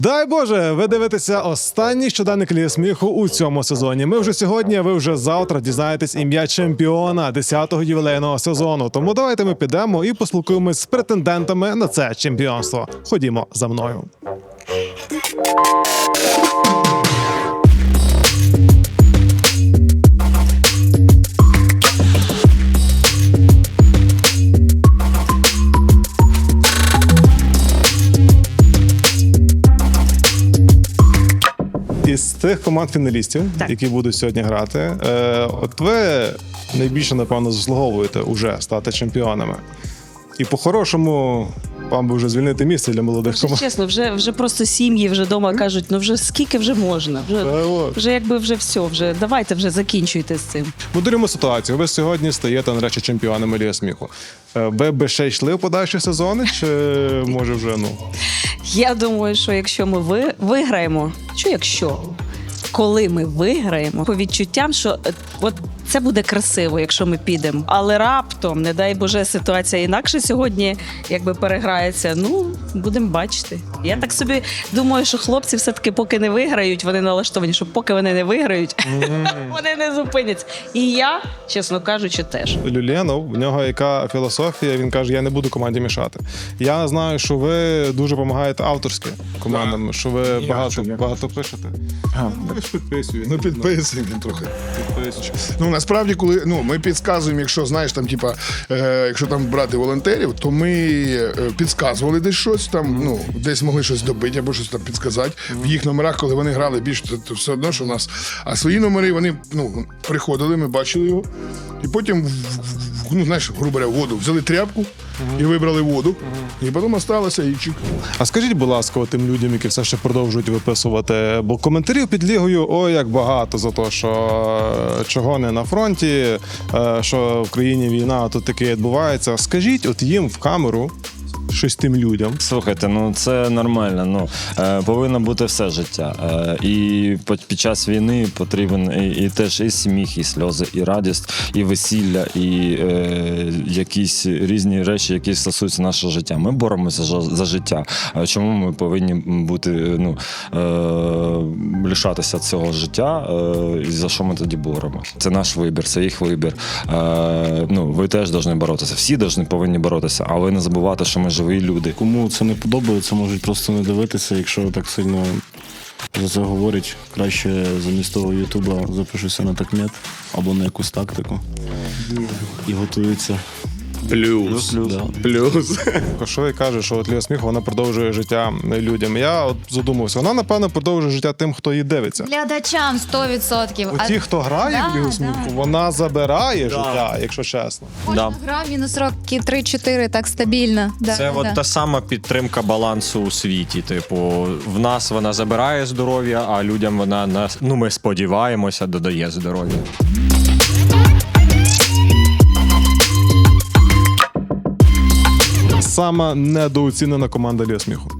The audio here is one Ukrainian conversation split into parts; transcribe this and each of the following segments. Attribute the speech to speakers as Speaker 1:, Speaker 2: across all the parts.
Speaker 1: Дай Боже, ви дивитеся останній щоденник Ліги сміху у цьому сезоні. Ми вже сьогодні, а ви вже завтра дізнаєтесь ім'я чемпіона 10-го ювілейного сезону. Тому давайте ми підемо і поспілкуємось з претендентами на це чемпіонство. Ходімо за мною. Із тих команд-фіналістів, які будуть сьогодні грати, от ви найбільше, напевно, заслуговуєте уже стати чемпіонами. І по-хорошому вам би вже звільнити місце для молодих команд.
Speaker 2: Чесно, вже просто сім'ї вже вдома кажуть, ну вже скільки вже можна? Вже якби вже все, вже давайте вже закінчуйте з цим.
Speaker 1: Моделюємо ситуацію. Ви сьогодні стаєте, нарешті, чемпіонами Ліги сміху. Ви б ще йшли в подальші сезони, чи може вже,
Speaker 2: Я думаю, що якщо ми виграємо, коли ми виграємо, по відчуттям, що от це буде красиво, якщо ми підемо. Але раптом, не дай Боже, ситуація інакше сьогодні якби переграється, будемо бачити. Я так собі думаю, що хлопці все-таки поки не виграють, вони налаштовані, що поки вони не виграють, вони не зупиняться. І я, чесно кажучи, теж.
Speaker 1: Люленов, в нього яка філософія, він каже, я не буду команді мішати. Я знаю, що ви дуже допомагаєте авторськи командам, що ви багато пишете.
Speaker 3: Підписуємо. Підписуємо трохи. Насправді, коли ми підказуємо, якщо знаєш, там, якщо там брати волонтерів, то ми підказували десь щось, там, десь могли щось добити або щось там підказати. В їх номерах, коли вони грали більше, то все одно, що в нас. А свої номери, вони приходили, ми бачили його. І потім, грубо говоря, воду. Взяли тряпку і вибрали воду. І потім осталося і чик.
Speaker 1: А скажіть, будь ласка, тим людям, які все ще продовжують виписувати, бо коментарів під лігою, ой, як багато за те, що чого не на фронті, що в країні війна, а тут таке відбувається. Скажіть от їм в камеру, щось тим людям.
Speaker 4: Слухайте, це нормально. Повинно бути все життя. І під час війни потрібен і теж і сміх, і сльози, і радість, і весілля, і якісь різні речі, які стосуються нашого життя. Ми боремося за життя. Чому ми повинні бути, лишатися цього життя? І за що ми тоді боремося? Це наш вибір, це їх вибір. Ви теж повинні боротися. Всі повинні боротися, але не забувати, що ми живі люди.
Speaker 5: Кому це не подобається, можуть просто не дивитися. Якщо так сильно за це говорять, краще замість того Ютуба запишуся на такмет або на якусь тактику і готуються.
Speaker 1: Плюс. Кошовий каже, що Ліга сміху, вона продовжує життя людям. Я от задумався, вона, напевно, продовжує життя тим, хто її дивиться.
Speaker 6: Глядачам 100%.
Speaker 1: Ті, хто грає в Лігу сміху, вона забирає життя, якщо чесно.
Speaker 6: Кожна гра мінус роки 3-4, так стабільно.
Speaker 7: Це от та сама підтримка балансу у світі. Типу, в нас вона забирає здоров'я, а людям вона, ми сподіваємося, додає здоров'я.
Speaker 1: Сама недооцінена команда Ліги сміху.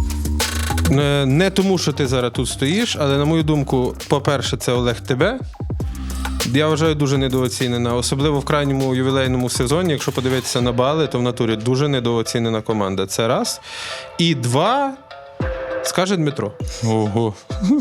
Speaker 8: Не тому, що ти зараз тут стоїш, але, на мою думку, по-перше, це Олег Тебе. Я вважаю, дуже недооцінена. Особливо в крайньому ювілейному сезоні, якщо подивитися на бали, то в натурі дуже недооцінена команда. Це раз. І два, скаже Дмитро. Ого.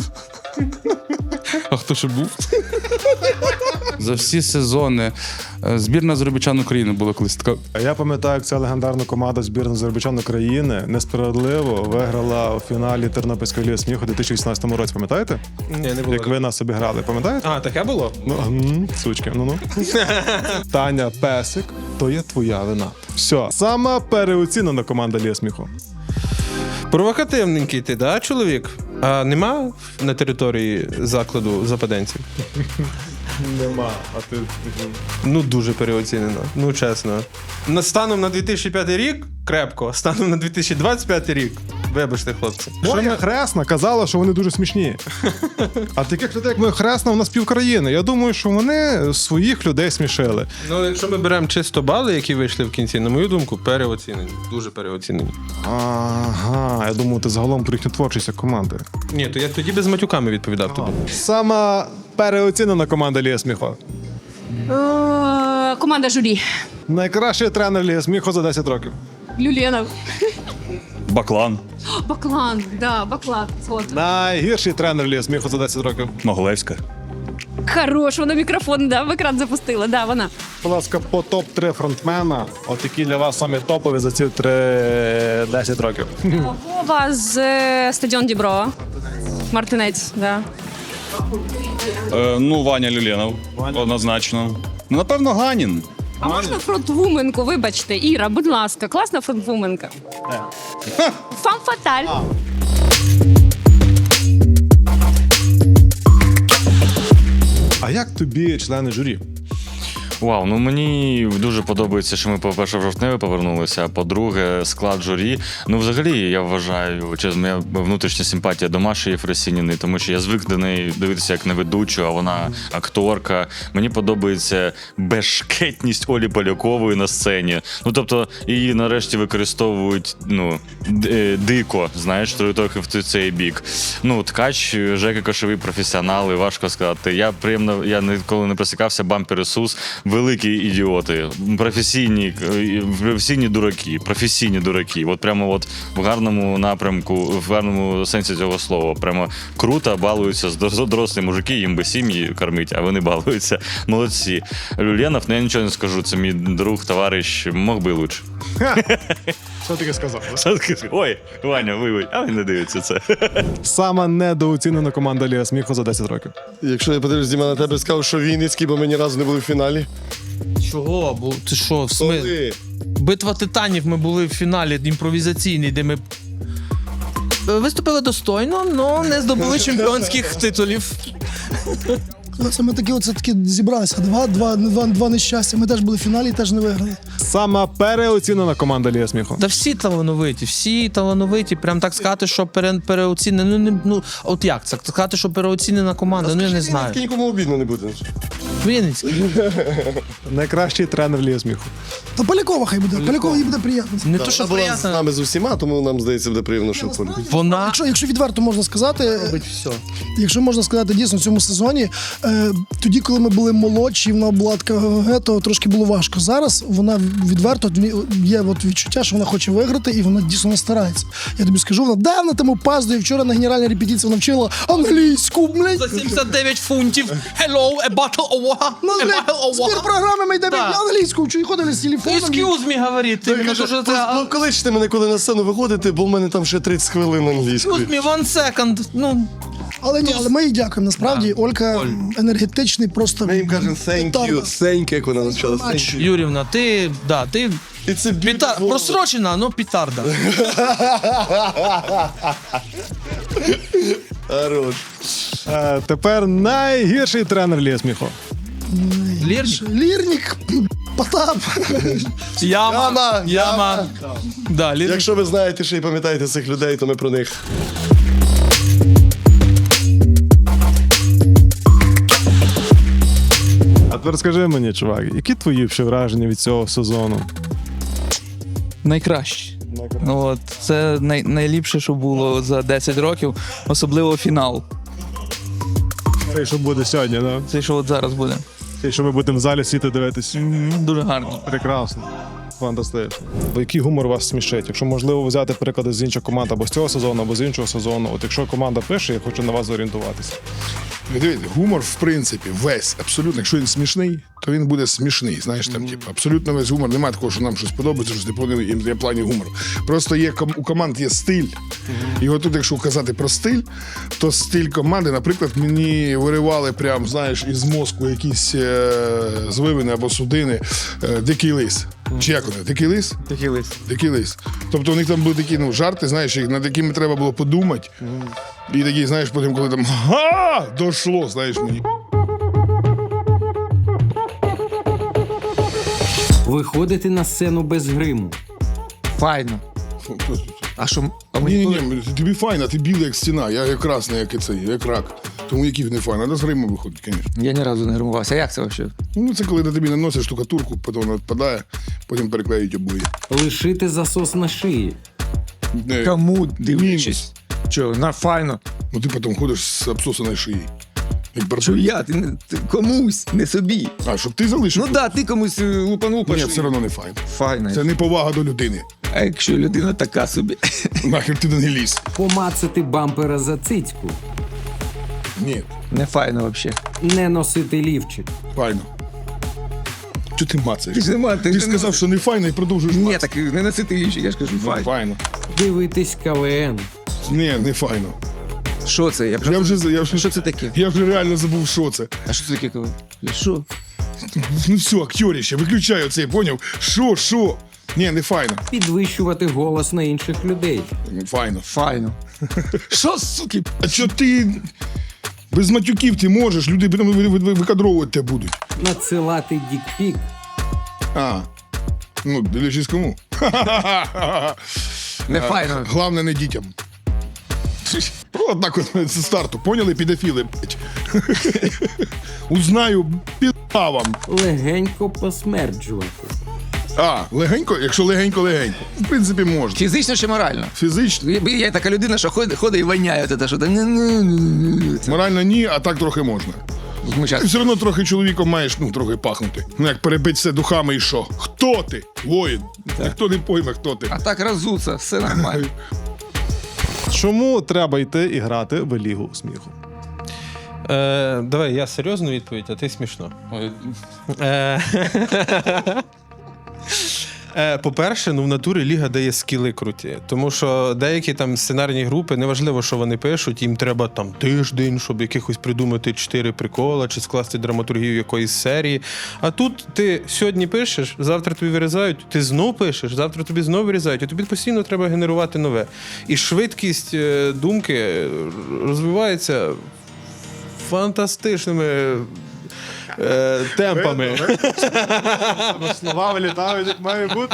Speaker 8: А хто ще був?
Speaker 9: За всі сезони збірна Азербайджан України була колись така.
Speaker 1: Я пам'ятаю, як ця легендарна команда збірної Азербайджан України несправедливо виграла у фіналі Тернопільської Ліги сміху у 2018 році. Пам'ятаєте?
Speaker 8: Ні, не було.
Speaker 1: Як ви нас обіграли, пам'ятаєте?
Speaker 8: А, таке було?
Speaker 1: Сучки, Таня Песик, то є твоя вина. Все, сама переоцінена команда Ліги сміху.
Speaker 8: Провокативненький ти, да, чоловік? А нема на території закладу западенців?
Speaker 1: Нема, а ти...
Speaker 8: Дуже переоцінено, чесно. Станом на 2005 рік крепко, станом на 2025 рік. Вибачте, хлопці.
Speaker 1: Моя хресна казала, що вони дуже смішні. А таких людей, як моя хресна, у нас півкраїни. Я думаю, що вони своїх людей смішили.
Speaker 8: Якщо ми беремо чисто бали, які вийшли в кінці, на мою думку, переоцінені. Дуже переоцінені.
Speaker 1: Ага, я думаю, ти загалом про їхню творчість як команди.
Speaker 8: Ні, то я тоді без матюками відповідав тобі.
Speaker 1: Сама переоцінена команда Ліги сміху.
Speaker 2: Команда журі.
Speaker 1: Найкращий тренер Ліги сміху за 10 років.
Speaker 2: Люленов.
Speaker 9: Баклан.
Speaker 10: Баклан, да, Баклан. Згодна.
Speaker 1: Найгірший тренер Ліги сміху за 10 років.
Speaker 9: Могилевська.
Speaker 10: Хорош, вона мікрофон, да, в екран запустила, да, вона.
Speaker 1: Будь ласка, по топ-3 фронтмена, от які для вас самі топові за ці 10 років.
Speaker 10: Вова з стадіон Діброва. Мартинець, да.
Speaker 9: Ваня Люленов. Однозначно. Напевно, Ганін.
Speaker 10: А можна фронтвуменку, вибачте, Іра, будь ласка, класна фронтвуменка. Фам фаталь.
Speaker 1: А як тобі члени журі?
Speaker 4: Вау, ну мені дуже подобається, що ми, по-перше, в жовтневі повернулися, а по-друге, склад журі. Ну, взагалі, я вважаю, чесно, моя внутрішня симпатія до Маші Єфросініної, тому що я звик до неї дивитися як на ведучу, а вона акторка. Мені подобається безшкетність Олі Полякової на сцені. Ну, тобто, її нарешті використовують, дико, знаєш, трохи в цей бік. Ну, Ткач, Жека Кошовий професіонали, важко сказати. Я ніколи не просікався, Бампер Ісус. Великі ідіоти, професійні дураки. От прямо от в гарному напрямку, в гарному сенсі цього слова. Прямо круто балуються дорослі мужики, їм би сім'ї кормить, а вони балуються. Молодці. Люленов, я нічого не скажу, це мій друг, товариш, мог би лучше.
Speaker 1: Що таке сказав?
Speaker 4: Ой, Ваня, вибач, а він не дивиться це.
Speaker 1: Сама недооцінена команда Ліги сміху за 10 років.
Speaker 11: Якщо я подивлюсь, Діма, на тебе скажу, що Вінницький, бо ми ні разу не були в фіналі.
Speaker 8: Чого? Бо ти що, в смислі? Битва титанів, ми були в фіналі імпровізаційний, де ми виступили достойно, але не здобули чемпіонських титулів.
Speaker 12: Ми таки зібралися. Два нещастя. Ми теж були в фіналі і теж не виграли.
Speaker 1: Сама переоцінена команда Ліги сміху.
Speaker 8: Та всі талановиті. Прям так сказати, що переоцінена. От як це? Сказати, що переоцінена команда, я не знаю.
Speaker 11: Нікому обідно не буде.
Speaker 8: Вінницький.
Speaker 1: Найкращий тренер Ліги сміху.
Speaker 12: Та Полякова хай буде. Полякова їй буде приємно.
Speaker 8: Не то, що
Speaker 11: Вона була з
Speaker 8: приємно.
Speaker 11: нами з усіма, тому нам здається, буде приємно, що Полі.
Speaker 8: Вона
Speaker 12: Якщо відверто можна сказати,
Speaker 8: робить все.
Speaker 12: якщо можна сказати дійсно в цьому сезоні, тоді, коли ми були молодші, вона була така, то трошки було важко. Зараз вона відверто, є відчуття, що вона хоче виграти, і вона дійсно старається. Я тобі скажу, вона давно там опаздує, вчора на генеральній репетиції вона вчила англійську, блядь.
Speaker 8: За 79 фунтів. Hello, a bottle of water.
Speaker 12: Ну,
Speaker 8: A
Speaker 12: блядь,
Speaker 8: bottle of
Speaker 12: збір
Speaker 8: water.
Speaker 12: програми ми йдемо
Speaker 8: Так.
Speaker 12: англійську, і ходили з телефоном.
Speaker 8: Excuse me, говорить. Ти мене дуже...
Speaker 11: Кличте мене, коли на сцену виходите, бо в мене там ще 30 хвилин англійської.
Speaker 8: Excuse me, one second. Ну,
Speaker 12: Але ми їй дякуємо. Насправді, Олька енергетичний, просто...
Speaker 11: Ми їм кажемо thank you, thank you, як вона почала. Thank you.
Speaker 8: Юрівна, ти
Speaker 11: It's a beautiful-
Speaker 8: просрочена, но петарда.
Speaker 11: Хорош.
Speaker 1: Тепер найгірший тренер Ліги сміху.
Speaker 12: Лірник, Потап.
Speaker 8: Яма. Да, Лірник.
Speaker 11: Якщо ви знаєте ще й пам'ятаєте цих людей, то ми про них.
Speaker 1: А тепер скажи мені, чувак, які твої ще враження від цього сезону?
Speaker 13: Найкраще. От, це найліпше, що було за 10 років, особливо фінал.
Speaker 1: Те, що буде сьогодні, да?
Speaker 13: Це що от зараз буде.
Speaker 1: Те, що ми будемо в залі сіти дивитись.
Speaker 13: Дуже гарно.
Speaker 1: Прекрасно. Фантастично. Бо який гумор вас смішить? Якщо можливо взяти приклади з інших команд або з цього сезону, або з іншого сезону. От якщо команда пише, я хочу на вас зорієнтуватися.
Speaker 3: Дивіться, гумор, в принципі, весь, абсолютно, якщо він смішний, то він буде смішний. Знаєш, там, типу, абсолютно весь гумор. Немає такого, що нам щось подобається, що не є плані гумору. Просто є у команд є стиль. І от тут, якщо казати про стиль, то стиль команди, наприклад, мені виривали прям, знаєш, із мозку якісь звивини або судини «Дикий лис». Чи як вони? «Дикий лис»? «Дикий лис». Тобто у них там були такі жарти, знаєш, над якими треба було подумати. І такі, знаєш, потім, коли там «Га!» дошло, знаєш, мені.
Speaker 14: Виходити на сцену без гриму.
Speaker 8: Файно. А що?
Speaker 3: Ні, тобі файно, ти білий, як стіна, я красний, як рак. Тому який не файно, треба з гриму виходить, звісно.
Speaker 13: Я ні разу не гримувався. А як це взагалі?
Speaker 3: Ну, це коли на тобі наносять штукатурку, потім вона відпадає, потім переклеюють обої.
Speaker 14: Лишити засос на шиї.
Speaker 8: Кому дивлячись? Чого, файно.
Speaker 3: Ну ти потім ходиш з обсосаною шиєю. Як
Speaker 13: Що я? Ти комусь, не собі.
Speaker 3: А, щоб ти залишив?
Speaker 13: Ну да, ти комусь лупанув по
Speaker 3: Ні,
Speaker 13: шиї.
Speaker 3: все одно не файно.
Speaker 13: Файно.
Speaker 3: Це не повага до людини.
Speaker 13: А якщо людина така собі?
Speaker 3: Нахер ти не лізь.
Speaker 14: Помацати бампера за цицьку.
Speaker 3: Ні,
Speaker 13: Не файно взагалі.
Speaker 14: Не носити лівчик.
Speaker 3: файно. Чого ти мацаєш?
Speaker 13: Нема,
Speaker 3: Ти ж сказав, що не файно і продовжуєш
Speaker 13: Ні,
Speaker 3: мацати.
Speaker 13: так не носити лівчик, я ж кажу,
Speaker 3: Ну, файно.
Speaker 14: Дивитись КВН.
Speaker 3: Ні, не файно.
Speaker 13: Що це? Що це таке?
Speaker 3: Я вже реально забув, що це.
Speaker 13: А що це таке? Що?
Speaker 3: Ну все, актьоріще, виключай оцей, поняв? Що? Ні, не файно.
Speaker 14: Підвищувати голос на інших людей.
Speaker 3: Файно.
Speaker 13: Файно. Що, суки?
Speaker 3: А що ти без матюків ти можеш, люди потім викадровувати тебе будуть.
Speaker 14: Надсилати дікпік.
Speaker 3: А, ну, дивлячись кому.
Speaker 13: Не файно.
Speaker 3: Главне, не дітям. Однак от з старту, поняли, підофіли, блять. Узнаю, піда вам.
Speaker 14: Легенько посмерджувати.
Speaker 3: А, легенько? Якщо легенько. В принципі, можна.
Speaker 13: Фізично чи морально?
Speaker 3: Фізично.
Speaker 13: Я така людина, що ходить і воняє. Що там.
Speaker 3: Морально ні, а так трохи можна.
Speaker 13: Ми щас-
Speaker 3: Ти все одно трохи чоловіком маєш, трохи пахнути. Ну, як перебить все духами і що? Хто ти? Воїн. Ніхто не пойме, хто ти.
Speaker 13: А так розуться, все нормально.
Speaker 1: Чому треба йти і грати в Лігу сміху?
Speaker 8: Давай, я серйозну відповідь, а ти смішно. По-перше, в натурі ліга дає скіли круті. Тому що деякі там сценарні групи, неважливо, що вони пишуть, їм треба там тиждень, щоб якихось придумати 4 прикола чи скласти драматургію якоїсь серії. А тут ти сьогодні пишеш, завтра тобі вирізають, ти знов пишеш, завтра тобі знов вирізають, і тобі постійно треба генерувати нове. І швидкість думки розвивається фантастичними темпами.
Speaker 1: Слова вилітають, як має бути.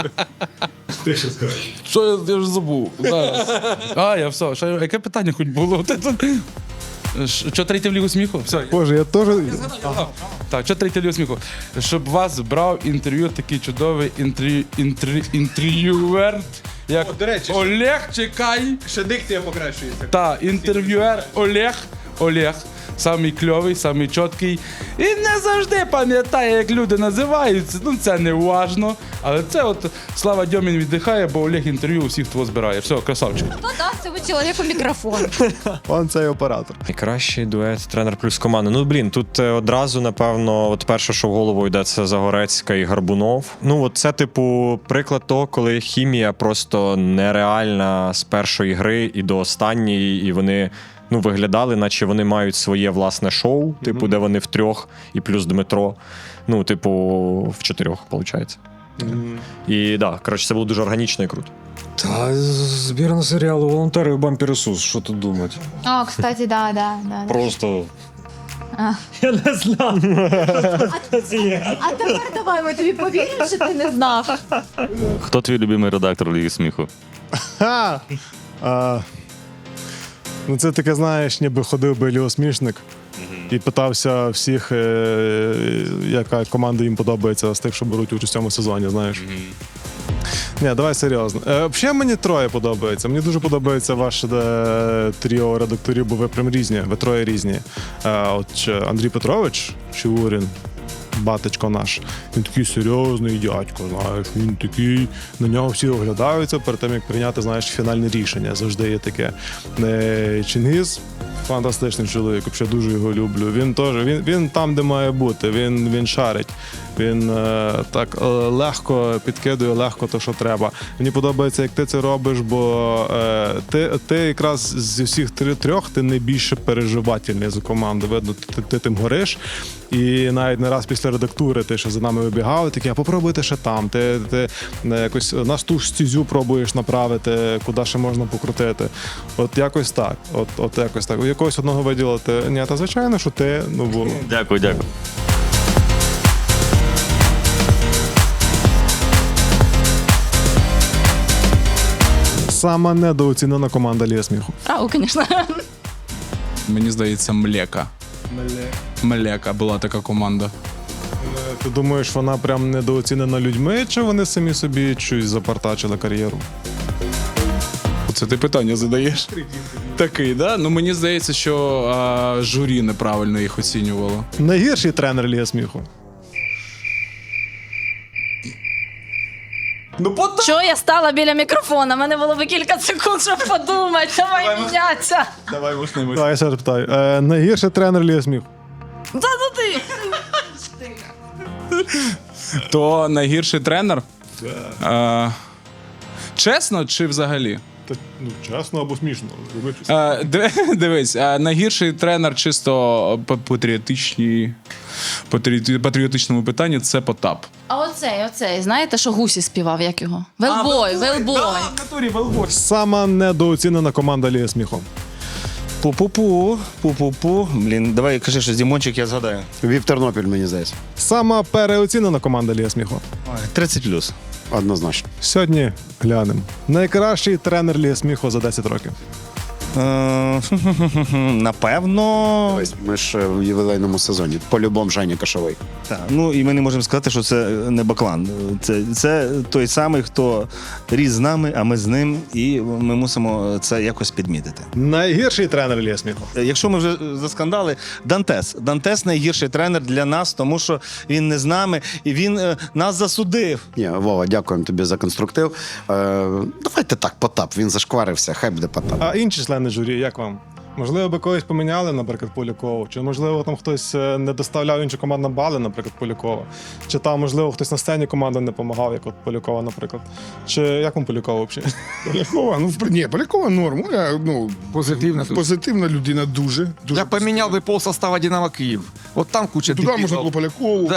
Speaker 9: Що я вже забув? Зараз. Я все. Яке питання хоч було? Що третє в Лігу сміху? Все.
Speaker 1: Боже, я теж...
Speaker 9: Так, що третє в Лігу сміху? Щоб вас брав інтерв'ю такий чудовий інтерв'юер, як
Speaker 8: До речі,
Speaker 9: Олег, чекай.
Speaker 8: ще дикція покращується.
Speaker 9: Так, інтерв'юер Олег. Самий кльовий, самий чіткий. І не завжди пам'ятає, як люди називаються. Це не важно. Але це от Слава Дьомін віддихає, бо Олег інтерв'ю у всіх того збирає. Все, красавчик.
Speaker 6: Хто дасть цьому чоловіку мікрофон?
Speaker 1: Он цей оператор.
Speaker 7: Найкращий дует тренер плюс команда. Тут одразу, напевно, от перше, що в голову йде, це Загорецька і Гарбунов. Це, приклад того, коли хімія просто нереальна з першої гри і до останньої, і вони виглядали, наче вони мають своє власне шоу, де вони втрьох, і плюс Дмитро. В 4, виходить. І це було дуже органічно і круто.
Speaker 4: Та збірна серіалу «Волонтери і Бампер Ісус», що тут думати?
Speaker 6: Кстати, да.
Speaker 4: Просто... Я не знав.
Speaker 6: А тепер давай, ми тобі повіримо, що ти не знав.
Speaker 5: Хто твій любимий редактор Ліги сміху?
Speaker 1: Це таке, знаєш, ніби ходив би Лігосмішник і питався всіх, яка команда їм подобається з тих, що беруть участь у цьому сезоні, знаєш. Ні, давай серйозно. Взагалі мені троє подобається. Мені дуже подобається ваше тріо редакторів, бо ви прям різні, ви троє різні. Андрій Петрович Чигурін, батечко наш, він такий серйозний дядько, знаєш, він такий, на нього всі оглядаються перед тим, як прийняти, знаєш, фінальне рішення. Завжди є таке. Чингіз фантастичний чоловік, взагалі дуже його люблю. Він там, де має бути, він шарить. Він так легко підкидує, легко то, що треба. Мені подобається, як ти це робиш, бо ти якраз зі всіх трьох ти найбільше переживательний за команду. Видно, ти тим гориш. І навіть не раз після редактури ти ще за нами вибігав, такий, а попробуйте ще там. Ти якось нас ту ж стізю пробуєш направити, куди ще можна покрутити. От якось так. От якось так. Якогось одного виділити. Ні, та звичайно, що ти, бо...
Speaker 5: Дякую.
Speaker 1: Сама недооцінена команда Ліги сміху.
Speaker 6: Звісно.
Speaker 9: Мені здається, Млека була така команда.
Speaker 1: Ти думаєш, вона прям недооцінена людьми, чи вони самі собі щось запартачили кар'єру?
Speaker 9: Це ти питання задаєш? Такий, да? Мені здається, що журі неправильно їх оцінювало.
Speaker 1: Найгірший тренер Ліги сміху.
Speaker 2: Чого я стала біля мікрофона? У мене було би кілька секунд, щоб подумати. Давай мінятися.
Speaker 1: Так, я ще раз питаю. Найгірший тренер Ліги сміху?
Speaker 2: Та ну ти.
Speaker 9: То найгірший тренер? Чесно чи взагалі?
Speaker 1: Ну, чесно або смішно.
Speaker 9: Дивись, найгірший тренер чисто по патріотичному питанню це Потап.
Speaker 6: А оцей, знаєте, що Гусі співав, як його? Велбой.
Speaker 1: Сама недооцінена команда Ліги сміху.
Speaker 11: Пу-пу-пу. Блін, давай кажи щось, Дімончик, я згадаю. Вів Тернопіль, мені здається.
Speaker 1: Сама переоцінена команда Ліги сміху.
Speaker 11: 30+. Однозначно.
Speaker 1: Сьогодні глянемо. Найкращий тренер Ліги сміху за 10 років.
Speaker 11: Напевно.
Speaker 15: Ми ж в ювілейному сезоні. По-любому Женя Кашовий.
Speaker 11: Так, ну і ми не можемо сказати, що це не Баклан. Це той самий, хто ріс з нами, а ми з ним, і ми мусимо це якось підмітити.
Speaker 1: Найгірший тренер Ліги сміху.
Speaker 11: Якщо ми вже заскандали, Дантес. Дантес найгірший тренер для нас, тому що він не з нами, і він нас засудив.
Speaker 15: Ні, Вова, дякуємо тобі за конструктив. Давайте так, Потап, він зашкварився, хай буде Потап.
Speaker 1: А інші члени журі, як вам? Можливо, би когось поміняли, наприклад, Полякову? Чи, можливо, там хтось не доставляв іншу команду бали, наприклад, Полякова? Чи там, можливо, хтось на сцені команди не допомагав, як от Полякова, наприклад? Чи як вам Полякова взагалі?
Speaker 3: Полякова, Полякова норм. Позитивна людина дуже.
Speaker 16: Я поміняв би полсостава Динамо Київ. От там куча
Speaker 3: Туди можна було Полякову.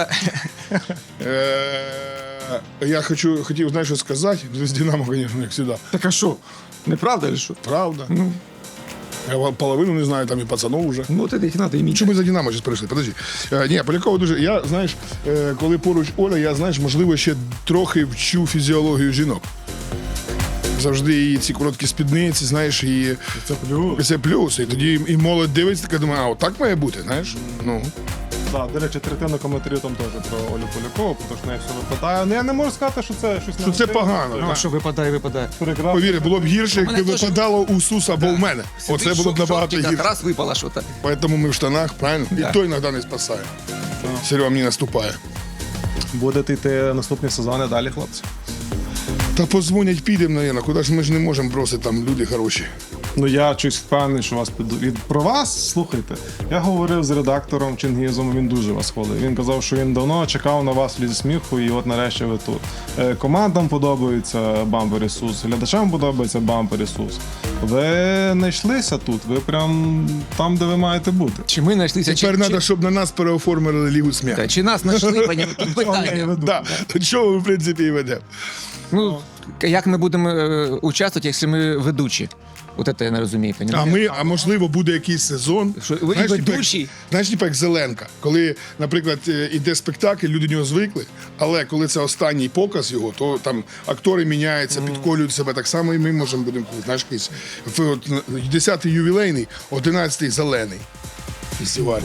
Speaker 3: Я хотів, знаєш, що сказати. З Динамо, звісно, як завжди.
Speaker 16: Так а що? Неправда чи що?
Speaker 3: Правда. Я половину не знаю, там і пацанов вже.
Speaker 16: Ну, ти їх треба іміть.
Speaker 3: Чому ми за Динамо зараз прийшли? Подожди. Ні, Полякова дуже. Я, знаєш, коли поруч Оля, я, знаєш, можливо, ще трохи вчу фізіологію жінок. Завжди її ці короткі спідниці, знаєш, і це плюс. І тоді і молодь дивиться, така думає, а отак має бути, знаєш? Ну.
Speaker 1: Так, до речі, третина коментарів там теж про Олю Полякову, тому що в неї все випадає. Ну, я не можу сказати, що це щось
Speaker 3: Що це погано.
Speaker 16: Ну, що випадає.
Speaker 1: Прекрасно.
Speaker 3: Повір, було б гірше, якби випадало у Суса або в мене. Оце було б набагато гірше.
Speaker 16: Раз випало щось.
Speaker 3: Тому ми в штанах, правильно? І той іноді не спасає. Серега мені наступає.
Speaker 1: Будете йти наступні сезони далі, хлопці?
Speaker 3: Та позвонять, підемо, мабуть. Куди ж ми ж не можемо бросити, там люди хороші.
Speaker 1: Ну, я щось впевнений, що вас про вас, слухайте, я говорив з редактором Чингізом, він дуже вас хвалив. Він казав, що він давно чекав на вас в Лізі сміху, і от нарешті ви тут. Командам подобається Бампер Ісус, глядачам подобається Бампер Ісус. Ви знайшлися тут, ви прям там, де ви маєте бути.
Speaker 16: Чи ми знайшлися?
Speaker 3: Тепер треба, щоб на нас переоформили Лігу сміху.
Speaker 16: Чи нас знайшли, тут питання.
Speaker 3: Да. Чого ми, в принципі, і ведемо.
Speaker 16: Ну, як ми будемо участвувати, якщо ми ведучі? От це я не розумію.
Speaker 3: А можливо, буде якийсь сезон. Знаєш, як Зеленка. Коли, наприклад, іде спектакль, люди до нього звикли, але коли це останній показ його, то там актори міняються, підколюють себе. Так само і ми можемо будемо, знаєш, якийсь 10-й ювілейний, 11-й зелений фестиваль.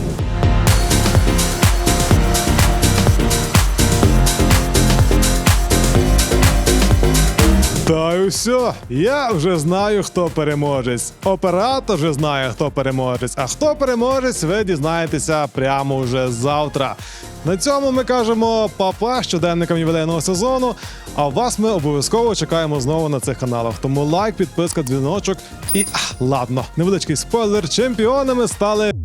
Speaker 1: Та й все. Я вже знаю, хто переможець. Оператор вже знає, хто переможець. А хто переможець, ви дізнаєтеся прямо вже завтра. На цьому ми кажемо па-па щоденникам ювілейного сезону. А вас ми обов'язково чекаємо знову на цих каналах. Тому лайк, підписка, дзвіночок і ладно, невеличкий спойлер. Чемпіонами стали